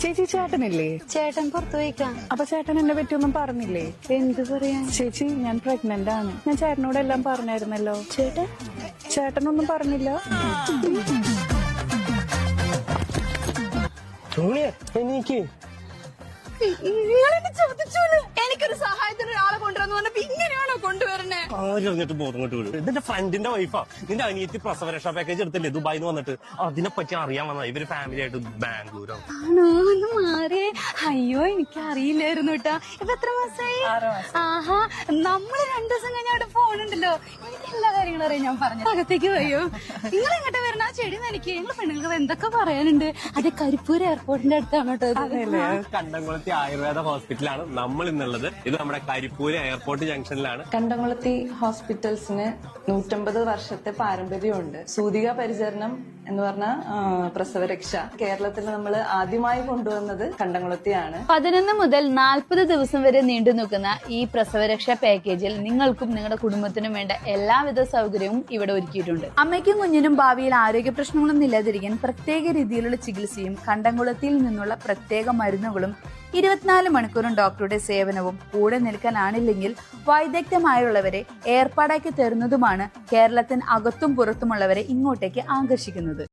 ചേച്ചി ചേട്ടനില്ലേ? ചേട്ടൻ പുറത്തു പോയിക്കാം. അപ്പൊ ചേട്ടൻ എന്നെ പറ്റിയൊന്നും പറഞ്ഞില്ലേ? എന്ത് പറയാൻ? ചേച്ചി ഞാൻ പ്രഗ്നന്റ് ആണ്. ഞാൻ ചേട്ടനോട് എല്ലാം പറഞ്ഞായിരുന്നല്ലോ. ചേട്ടനൊന്നും പറഞ്ഞില്ല? എനിക്ക് എനിക്കൊരു സഹായത്തിന് ഒരാളെ കൊണ്ടുവന്നു പറഞ്ഞപ്പോ ഇങ്ങനെയാണോ കൊണ്ടുവരണേ? ആരും ബോധം കൊണ്ട് വിടും. ഇതിന്റെ ഫ്രണ്ടിന്റെ വൈഫാ. നിന്റെ അനിയത്തി പ്രസവരക്ഷാ പാക്കേജ് എടുത്തില്ലേ ദുബായിന്ന് വന്നിട്ട്? അതിനെ പറ്റി അറിയാൻ വന്ന ഇവര് ഫാമിലി ആയിട്ട് ബാംഗ്ലൂരാണ്. ആണോ? ഒന്ന് മാറിയേ. അയ്യോ എനിക്ക് അറിയില്ലായിരുന്നു കേട്ടാ. ഇപ്പൊ എത്ര മാസമായി? ആഹാ, നമ്മള് 2 ദിവസം കഴിഞ്ഞ അവിടെ ഫോണുണ്ടല്ലോ. എനിക്ക് എല്ലാ കാര്യങ്ങളും അറിയാം. ഞാൻ പറഞ്ഞു അകത്തേക്ക് പോയോ? നിങ്ങൾ എങ്ങോട്ട് വരണ? ആ ചെടി നനയ്ക്ക്. ഞങ്ങൾ പെണ്ണുങ്ങൾക്ക് എന്തൊക്കെ പറയാനുണ്ട്. അത് കരിപ്പൂർ എയർപോർട്ടിന്റെ അടുത്താണ് കേട്ടോ. കണ്ടംകുളത്തി ആയുർവേദ ഹോസ്പിറ്റലാണ് നമ്മൾ ഇന്നുള്ളത്. ഇത് നമ്മുടെ കരിപ്പൂര് എയർപോർട്ട് ജംഗ്ഷനിലാണ്. കണ്ടംകുളത്തി ഹോസ്പിറ്റൽസിന് 150 വർഷത്തെ പാരമ്പര്യമുണ്ട്. സൂതിക പരിചരണം എന്ന് പറഞ്ഞ പ്രസവരക്ഷ കേരളത്തിൽ നമ്മൾ ആദ്യമായി കൊണ്ടുവന്നത് കണ്ടംകുളത്തിയാണ്. 11 മുതൽ 40 ദിവസം വരെ നീണ്ടു നിൽക്കുന്ന ഈ പ്രസവരക്ഷാ പാക്കേജിൽ നിങ്ങൾക്കും നിങ്ങളുടെ കുടുംബത്തിനും വേണ്ട എല്ലാവിധ സൗകര്യവും ഇവിടെ ഒരുക്കിയിട്ടുണ്ട്. അമ്മയ്ക്കും കുഞ്ഞിനും ഭാവിയിൽ ആരോഗ്യ പ്രശ്നങ്ങളൊന്നും ഇല്ലാതിരിക്കാൻ പ്രത്യേക രീതിയിലുള്ള ചികിത്സയും കണ്ടംകുളത്തിയിൽ നിന്നുള്ള പ്രത്യേക മരുന്നുകളും 24 മണിക്കൂറും ഡോക്ടറുടെ സേവനവും കൂടെ നിൽക്കാനാണില്ലെങ്കിൽ വൈദഗ്ധ്യമായുള്ളവരെ ഏർപ്പാടാക്കി തരുന്നതുമാണ് കേരളത്തിന് അകത്തും പുറത്തുമുള്ളവരെ ഇങ്ങോട്ടേക്ക് ആകർഷിക്കുന്നത്.